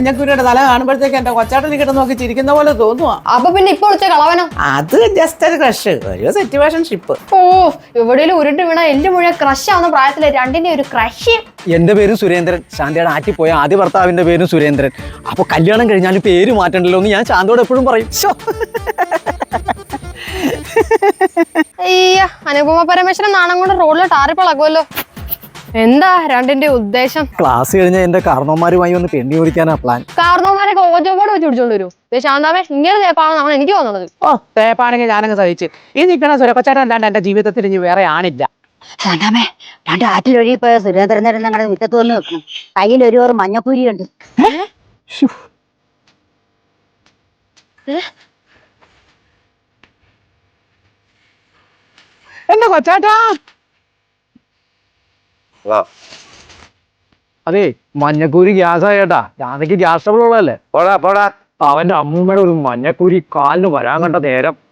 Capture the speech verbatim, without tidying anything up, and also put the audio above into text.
മഞ്ഞക്കുരിയുടെ തല കാണുമ്പോഴത്തേക്ക് എന്റെ കൊച്ചാട്ടനെ കിട്ടുന്ന നോക്കി ചിരിക്കുന്ന പോലെ തോന്നുവാ. അപ്പൊ പിന്നെ ഇപ്പൊ വിളിച്ച കളവനോ? അത് ജസ്റ്റ് ഒരു ക്രഷ്, ഒരു സിറ്റുവേഷൻ ഷിപ്പ്. ഓ, എവിടെയും ഉരുട്ട് വീണ എല്ലു മുഴുവൻ ക്രഷ് ആവുന്ന പ്രായത്തിലെ രണ്ടിന്റെ ഒരു ക്രഷ്. എന്റെ പേരും സുരേന്ദ്രൻ, ശാന്തയുടെ ആറ്റിപ്പോയ ആദ്യ ഭർത്താവിന്റെ പേരും സുരേന്ദ്രൻ. അപ്പൊ കല്യാണം കഴിഞ്ഞാൽ പേര് മാറ്റണ്ടല്ലോ എന്ന് ഞാൻ ശാന്തയോട് എപ്പോഴും പറയും. അയ്യ, അനുപമ പരമേശ്വരൻ നാണം കൊണ്ട് റോഡിൽ ടാറിപ്പളകുമല്ലോ. എന്താ രണ്ടിന്റെ ഉദ്ദേശം? ക്ലാസ് കഴിഞ്ഞാൽ എന്റെ കാരണവന്മാരുമായി ഒന്ന് പെണ്ണി ഓടിക്കാനാ പ്ലാൻ. കാരണവന്മാരൊക്കെ ഓജോപോട് വെച്ച് പിടിച്ചോണ്ട് വരൂ. ശാന്താമേ, ഇങ്ങനെ തേപ്പാണെന്നാണ് എനിക്ക് തോന്നുന്നത്. ഓ, തേപ്പാണെങ്കിൽ ഞാനങ്ങ് സഹിച്ച്. ഈ നിൽക്കണ സുരക്കൊച്ചാട്ടൻ അല്ലാണ്ട് എന്റെ ജീവിതത്തിൽ ഇനി വേറെ ആണില്ല. ശാന്താമേ, രണ്ട് ആറ്റിലൊഴുകിപ്പോയ സുരേന്ദ്രൻ ഞങ്ങളുടെ മുറ്റത്ത് വന്ന് വെക്കണം. കയ്യിൽ ഒരു ഓർ മഞ്ഞപ്പൂരിയുണ്ട്. എന്റെ കൊച്ചാട്ടാ, അതെ മഞ്ഞക്കൂരി ഗ്യാസ് ആയേട്ടാ. ഞാനക്ക് ഗ്യാസ് ട്രബിൾ ഉള്ളതല്ലേ. പോടാ പോടാ. അവന്റെ അമ്മൂമ്മയുടെ ഒരു മഞ്ഞക്കൂരി കാലിന് വരാൻ കണ്ട നേരം